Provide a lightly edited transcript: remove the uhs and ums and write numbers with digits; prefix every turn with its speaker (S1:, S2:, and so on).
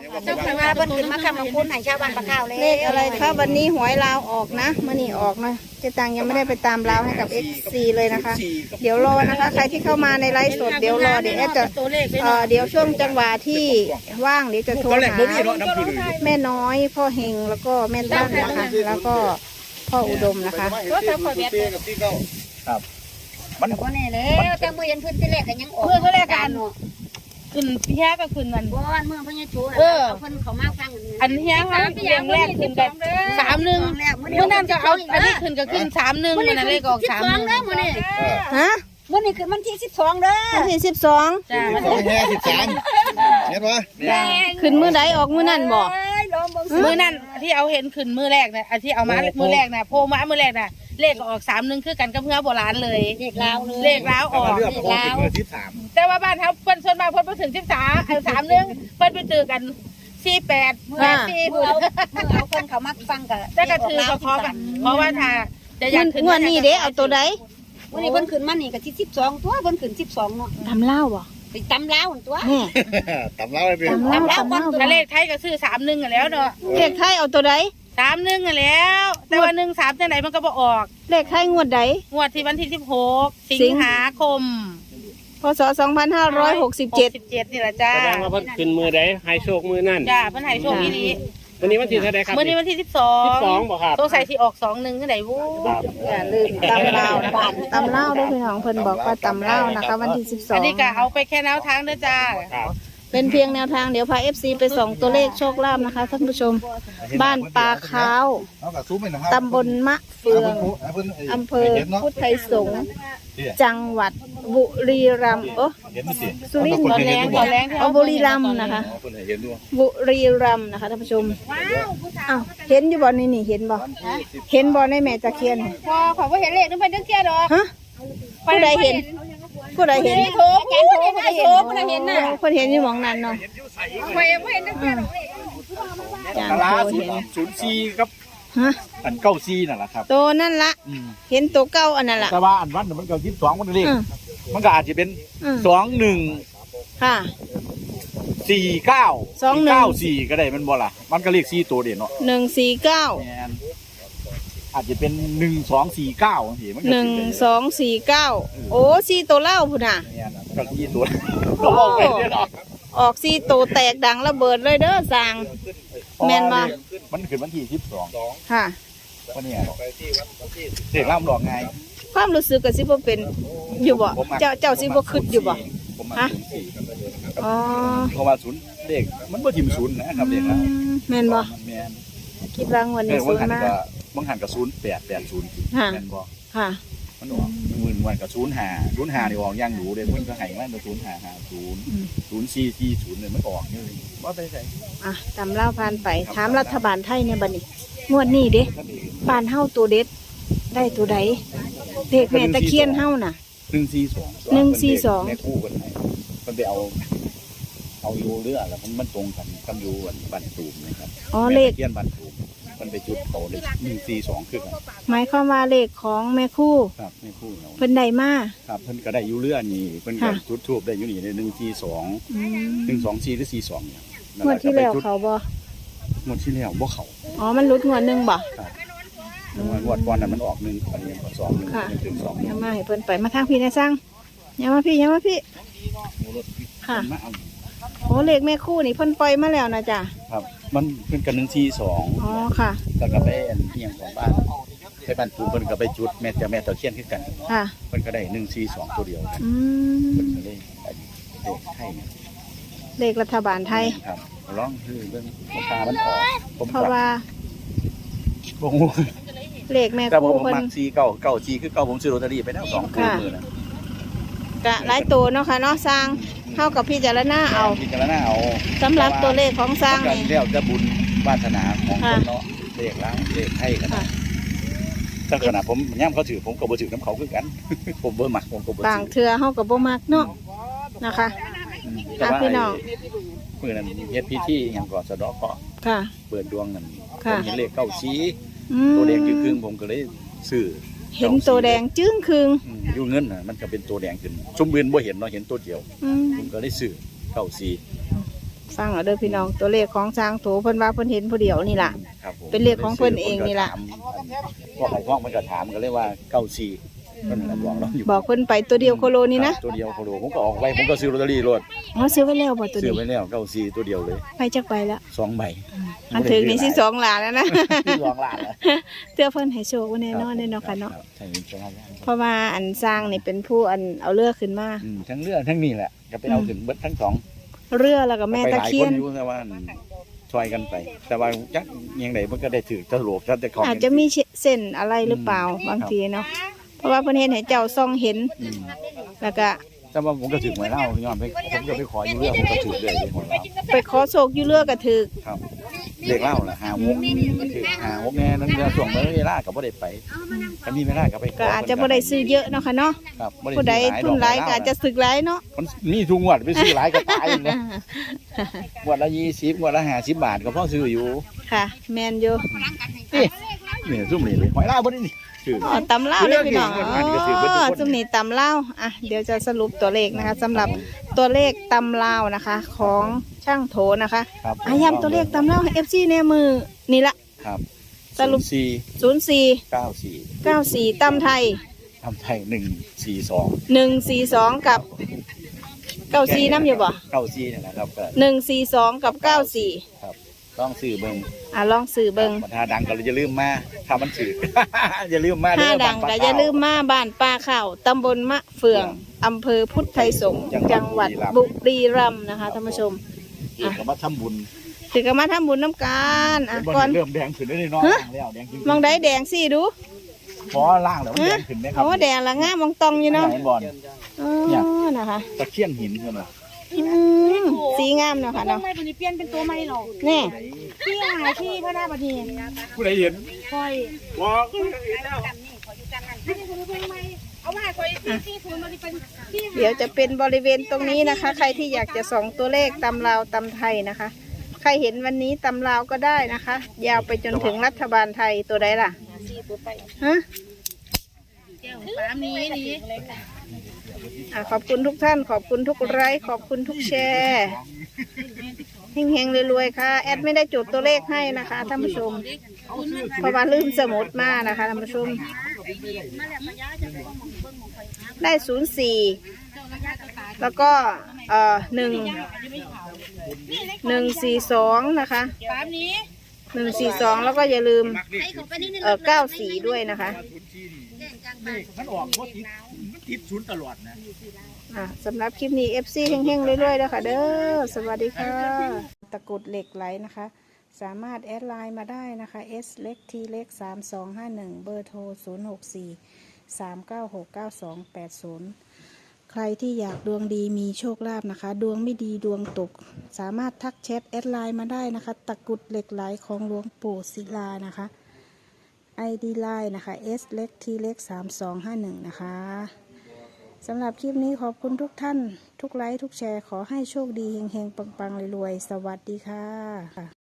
S1: เจ้าค่ะว่าเพิ่นขึ้นมาคำของคุณให้ชาวบ้านปะข้าวเลย
S2: เลขอะไรคะวันนี้หวยลาวออกนะมื่อนี้ออกนะเจตังยังไม่ได้ไปตามลาวให้กับ FC เลยนะคะ เดี๋ยวรอนะคะ ใครที่เข้ามาในไลฟ์สดเดี๋ยวรอเดี๋ยวแอดจะเดี๋ยวช่วงจังหวะที่ว่างเดี๋ยวจะโทรหาแม่น้อยพ่อเฮงแล้วก็แม่ตั้งนะคะแล้วก็พ่ออุดมนะคะ
S1: รถเจ้าขอเบียด
S3: ครับมัน
S1: ก็แน่แล้วแต่เมื่อยันพื้นที่แรกกันยังออก
S4: เมื่อเขาแรกกันขึ้นเฮียก็ขึ้นมัน
S1: บ้านเมืองพญาชูนะเพิ่นเขามาฟัง
S4: อันเฮียเขาเรียงแรกขึ้นกัน31เมื่อนั้นก็เอาอันนี้ขึ้นก็ขึ้น31มันนั่นเลขออก31
S1: เด้อมื้อนี้
S2: ฮะ
S1: มื้อนี้คือวันที่12เด้อ
S2: วันที่12
S4: จ้า
S3: สองแห่13เห็นปะ
S2: ขึ้นมือใดออกมือนั่นบอก
S4: มือนั่นที่เอาเห็นขึ้นมือแรกนะที่เอามามือแรกนะโพมามือแรกนะเลขออก31คือกันกับเพื่อโบราณเลย
S1: เด็กลาวเลย
S4: เลขล้าวออก
S3: เลือกโค้งเป็นเบอร์13
S4: แต่ว่าบ้านเขาเพิ่นส่วนมากเพิ่นไปถึง1331เพิ่นไปเจอกัน48
S1: เมื่อเอาเพิ่นเขามาฟังกัน
S4: แต่ก็ถือก็เพราะว่าถ้าจะอยากขึ้น
S2: งวดนี้เด้เอาตัวใด
S1: วันนี้เพิ่นขึ้นมานี่ก็ที่12ตัวเพิ่นขึ้น12เนาะ
S2: ทำเล่าบ่
S1: ไปตำลาวตัว
S2: แม่
S3: ตำเล่าเลยเป็น
S2: ตำเล่าตำเล่า
S4: ถ้าเลขไทยก็ซื้อ31กันแล้วเนาะ
S2: เลขไทยเอาตัวใด
S4: 31กันแล้ว แต่ว่า13จังไหนมันก็บ่ออก
S2: เลขไทยงวดใด
S4: งวดที่วันที่16สิงหาคม
S2: พศ2567
S4: 17นี่แหละจ้า
S5: แสดงว่าเพิ่นขึ้นมือใดให้โชคมือนั่น
S4: จ้าเพิ่นให้โชคอีนี้
S5: วันนี้วันที่เท่าไรครับ
S4: มื้อนี้วันที่12
S5: 12บ่ครับ
S4: ต้องใส่ที่ออก21จังได๋วู้
S5: ครับ
S2: อย่าลืมตำเล่านะคะตำเล่าด้วยพี่น้องเพิ่นบอกว่าตำเล่านะคะวันที่12
S4: อันนี้ก็เอาไปแค่แนวทางเด้อจ้า
S5: ครับ
S2: เป็นเพียงแนวทางเดี๋ยวพา FC ไปส่องตัวเลขโชคลาภนะคะท่านผู้ชม บ้านปลาขาว
S3: เอากับซุ้มไปนะครับ
S2: ตำบลมะเฟืองอำเภอพุทธไทยสงฆ์จังหวัดบุรีรัมย์
S3: เห็นไหมสิ
S2: สุรินทร์
S4: ตอนแรงที่
S2: เอาบุรีรัมย์นะคะ
S3: คนเห็นด้วย
S2: บุรีรัมย์นะคะท่านผู้ชมอ้าวเห็นอยู่บ่นี่นี่เห็นบ่เห็นบ่ในแม่ตะเคียน
S4: พอขอบ่เห็นเลขนึงเพิ่นจังเที่ยดอก
S2: ฮะผู้ใดเห็นผู้ใดเห็น
S4: โถผู้ใดเห็นผู้ใดเห็นน่ะ
S2: คนเห็นอยู่หมองนั้นเนาะ
S4: ข่อยบ่เห็นจังเที่ยดอก
S2: จาง
S3: ตลา
S2: โตเห็น
S3: 04ครับ
S2: ฮะ
S3: อัน94นั่นแหละครับ
S2: โตนั่นละเห็นตัวเก้าอันนั้นละ
S3: แต่ว่าอันวันมันก็22มันเลข
S2: อืม
S3: มันก็อาจจะเป็น
S2: อืม
S3: 21
S2: ค่ะ
S3: 49 94ก็ได้มันบ่ล่ะมันก็เลข4ตัวเด่นเนาะ
S2: 149
S3: แม่นอาจจะเป็น1249จังซี่มันก็สิเป็น
S2: 1249โอ้สี่ตัวเล่าพุ่นน่ะ
S3: แม่นก็4ตัวก็ออกไปเด้อเนาะ
S2: ออกสี่ตัวแตกดังระเบิดเลยเด้อสร้าง แม่นบ่
S3: มันขึ้นวันที่12
S2: ค่ะ
S3: วันนี้เด็กล่ำหลอกไง
S2: ความรู้สึกก็สิบ่เป็นอยู่บ่เจ้าสิบ่คิดอยู่บ่
S3: ผมมา
S2: ฮะ
S3: 04
S2: อ๋อ
S3: เพราะว่าศูนย์เด็กมันบ่ทิมศูนย์นะครับเด็กนะ
S2: แม่นบ่
S3: มันแม่น
S2: คิดว่างวัน
S3: เอ
S2: นี้
S3: อ
S2: สู
S3: บาง
S2: ง
S3: หัน
S2: มาก
S3: ก็บางหันก็0880
S2: ค่ะ
S3: แม่นบ่
S2: ค่ะ
S3: มันออกวันก็05นี่ออกอย่างหนูเด้มันก็ให้มา0550 0440เนี่ยมันออกนี่บ่ไปไส
S2: อ่ะตำเล่าผ่านไปถามรัฐบาลไทยเนี่ยบัดนี้งวดนี้เด้บ้านเฮาตัวเด็ดได้ตัวใดเด็กแม่ตะเคียนเฮาน่ะ
S3: 142
S2: 142
S3: แม่คู่กันให้มันไปเอาอยู่เรือแล้วมันตรงกันกับอยู่บ้านตูมนะครับ
S2: อ๋อเลข
S3: แม่ตะเคียนบ้านตูมมันไปจุดโตเลย142คือกัน
S2: หมายความว่าเลขของแม่คู่
S3: ครับแม่คู่เนาะ
S2: เพิ่นได้มา
S3: ครับเพิ่นก็ได้อยู่เรือนี่เพิ่นก็
S2: ค่ะ
S3: จุดทูบได้อยู่นี่ได้142
S2: อืม
S3: 124หรือ42เนี่ย
S2: งวดที่แล้วเขาบ่
S3: งวดที่แล้วบ่เข้า
S2: อ๋อมันหลุดงวดหนึงบ่
S3: งวดก่อนนั้นมันออก1อันนี้ก็2 1
S2: ค่ะ
S3: 1ถึง2
S2: อย่ามาให้เพิ่นไปมาทางพี่นะสั่งอย่ามาพี่ค่ะ
S3: มาเอา
S2: โอ้เลขแม่คู่นี่เพิ่นปล่อยมาแล้วนะจ๊ะ
S3: ครับมันเพิ่นก็142
S2: อ๋อค่ะ
S3: แล้วก็ไปอันเอียงของบ้านไปบ้านตูมเพิ่นก็ไปจุดแม่เจ้าแม่ตะเคียนคือกัน
S2: ค่ะ
S3: เพิ่นก็ได้142ตัวเดียวกัน
S2: อื
S3: เพิ่น
S2: ม
S3: ก็เลยได้เลขให้เนี่ย
S2: เลขรัฐบาลไทย
S3: ครับร้องคือเรื่องราคามันออกผม
S2: เพราะว่า
S3: บ่ฮู้
S2: เลขแม่
S3: แต่ผม
S2: คู่เพิ่น
S3: มัก4994คือเก่าผมซื้อลอตเตอรี่ไปแล้ว2คู่มื้อนะ
S2: กะหลายตัวเนาะค่ะเนาะสร้างเท่ากับพี่จารณาเอา
S3: พิจารณาเอา
S2: สำหรับตัวเลขของสร้าง
S3: กัน
S2: นี่
S3: แล้วจะบุญวาสนาของค
S2: ค่ะ
S3: นเนาะเลขล้างเลขให้กัน
S2: ค่ะ
S3: แต่ขณะผมย่ำเขาถือผมก็บ่ถือน้ำเขาคือกัน ผมบ่มักผมก็บ่
S2: บาง
S3: ถือ
S2: เทื่อเฮาก็บ่มักเนาะนะคะ
S3: แต่ว่า
S2: พี่น้อง
S3: มื้อนั้นเฮ็ดพิธีหยังก่อนสะเดาะเคราะห์
S2: ค่ะ
S3: เปิดดวงนั่นผ
S2: ค่ะ
S3: มเห็นเลขเก้าชี้
S2: อืม
S3: ตัวแดงครึ่งๆผมก็เลยซื้อ
S2: เห็นตัวแดงจึ้งคืง
S3: อยู่เงินน่ะมันก็เป็นตัวแดงขึ้นชุมเบือนบ่เห็นเนาะเห็นตัวเดียว
S2: อืม
S3: ผมก็เลยซื้อเก้าชี้
S2: ฟังเอาเด้อพี่น้องตัวเลขของช้างโถเพิ่นว่าเพิ่นเห็นผู้เดียวนี่ล่ะ
S3: ครับผม
S2: เป็นเลขของเพิ่นเองนี่ล่ะ
S3: พวกไข่ท้องมันก็ถามกันเลยว่าเก้าสี่เพิ่นก็บอกเราอยู่
S2: บอกเพิ่นไปตัวเดียวโคโลนี่นะ
S3: ตัวเดียวโคโลผมก็ออกไปผมก็ซื้อลอตเตอรี่รถ
S2: อ๋อซื้อไว้แล้วบ่ตัว
S3: ซื้อ
S2: นี้
S3: ไปแล้วเก้าสี่ตัวเดียวเลย
S2: ไปจักไปแล้ว
S3: 2 ใบ
S2: อันถึงนี่สิ2ล้านแล้วนะ
S3: ที่สองล้านแล้ว
S2: เตื้อเพิ่นให้โชคไว้แน่นอนแน่นอนค่ะเนาะ
S3: ใช่ใช่
S2: เพราะว่าอันสร้างนี่เป็นผู้อันเอาเรือขึ้นมา
S3: ทั้งเรือทั้งนี่แหละจะไปเอาถึงเบิดทั้งสอง
S2: เรือแล้วก็แม่
S3: ไป
S2: ตะ
S3: หลาย
S2: เคี
S3: ค
S2: ย
S3: น
S2: น
S3: อยู่แต่ว่าช่วยกันไป แต่ว่าจักยังไงมันก็ได้ถือตลกชัดแต่ของ
S2: อาจจะมีเส้นอะไรหรือเปล่าบางทีเนาะเพราะว่าเพิ่นเห็นให้เจ้าซ่องเห็น แล้วก็
S3: แต่ว่าผมก็ถือหวยเล่าย้อนไปผมก็ไปขออยู่เรื่องผมก็ถือเลยหวยเล่า
S2: ไปขอโชคอยู่เรือก็ถึก
S3: ครับเด็กเล่าล่ะ56ก็ถือ56แน่นั่นเรือส่งเวลาก็บ่ได้ไปคันมีเวลาก็ไปข
S2: ก็อาจจะบ่ได้ซื้อเยอะเนาะค่ะเนาะ
S3: ครับบ่
S2: ผู้ใด
S3: ซื้อ
S2: ทุนหลายก็อาจจะสึกหลายเนาะ
S3: มันมีทุกงวดไปซื้อหลายก็ตายเลยงวดละ20งวดละ50 บาทก็พอซื้ออยู่
S2: ค่ะแมนอยู่
S3: นี่ซุ่มนี่เลยหวยเล่าบ่ได้นี่ถือ
S2: อ๋อตำเล่าวเลยพี่น้อง
S3: เรื่อง
S2: อ๋
S3: เรื่องเรื่อง
S2: อจุ่มนี่ตำเล่าวอ่ะเดี๋ยวจะสรุปตัวเลขนะคะสำหรับตัวเลขตำเล่าวนะคะ ของช่างโถนะคะ
S3: ครับ
S2: อ่ะย้ำตัวเลขตำเล่าวให้ FC ในมือนี่ละ
S3: ครับ
S2: สรุป
S3: 04 94
S2: 04ตำไทย
S3: ทำไทย142
S2: 142 กับ 94น้ำอยู่บ่
S3: 94นี่แหละครับก็
S2: 142 กับ 94
S3: ครับต้องซื้อเบิ่ง
S2: อ่ะลองสื่อเบิง
S3: ถ้าดังก็อย่าลืมมาถ้ามันถือ อย่าลืมมา
S2: ถ้า
S3: เด้อ
S2: ดังก็อย่าลืมมาบ้านป้าข้าวตำบลมะเฟืองอำเภอพุทธไทยสงฆ์จังหวัดบุรีรัมย์นะคะท่านผู้ชม
S3: เกี่ยวกับว่าทำบุญ
S2: ถือกันมาทำบุญน้ำกันอ่ะก่อน
S3: เริ่มแดงขึ้นได้เลยเนาะแล้วแดงขึ้น
S2: มองได้แดงสิดู
S3: พอล่างแล้วมันแดงขึ้นไหมครั
S2: โอ้แดงละง่ามมองตองอยู่เนาะ
S3: เห็นบอล
S2: อ๋อนะคะ
S3: ตะเคียนหินใช่ไหม
S2: สีงามเนาะค่ะ
S4: ต้อ
S2: เนาะ
S4: งไม่ปฏิเปลี่ยนเป็นตัวใหม่หรอก
S2: แน่
S4: ที่หาที่พระนาบดี
S5: ผู้ใดเห็น
S4: คอย
S5: บอก
S4: เอามาคอยที่ศูนย์มันเป็นที่
S2: เดี๋ยวจะเป็นบริเวณตรงนี้นะคะ ใครที่อยากจะส่องตัวเลขตำลาวตำไทยนะคะ ใครเห็นวันนี้ตำลาวก็ได้นะคะ ยาวไปจนถึงรัฐบาลไทยตัวใดล่ะฮะ
S4: แก้วฟ้ามีนี่
S2: ขอบคุณทุกท่านขอบคุณทุกไลค์ขอบคุณทุกแชร์เฮงๆรวยๆค่ะแอดไม่ได้จดตัวเลขให้นะคะท่านผู้ชมเพราะว่าลืมสมุดมานะคะท่านผู้ชมได้04แล้วก็142นะคะ
S4: ฟ้านี้
S2: 142แล้วก็อย่าลืม94ด้วยนะคะ
S3: มันออกเพราะติดศูนย์ตลอดนะ
S2: สำหรับคลิปนี้ FC เฮงๆเรื่อยๆแล้วค่ะเด้อสวัสดีค่ะตะกรุดเหล็กไหลนะคะสามารถแอดไลน์มาได้นะคะ S เล็ก T เล็ก3251เบอร์โทร064 396 9280ใครที่อยากดวงดีมีโชคลาภนะคะดวงไม่ดีดวงตกสามารถทักแชทแอดไลน์มาได้นะคะตะกรุดเหล็กไหลของหลวงปู่ศิลานะคะ ID ไลน์นะคะ S เล็ก T เล็ก3251นะคะสำหรับคลิปนี้ขอบคุณทุกท่านทุกไลค์ทุกแชร์ขอให้โชคดีเฮงๆปังๆรวยๆสวัสดีค่ะ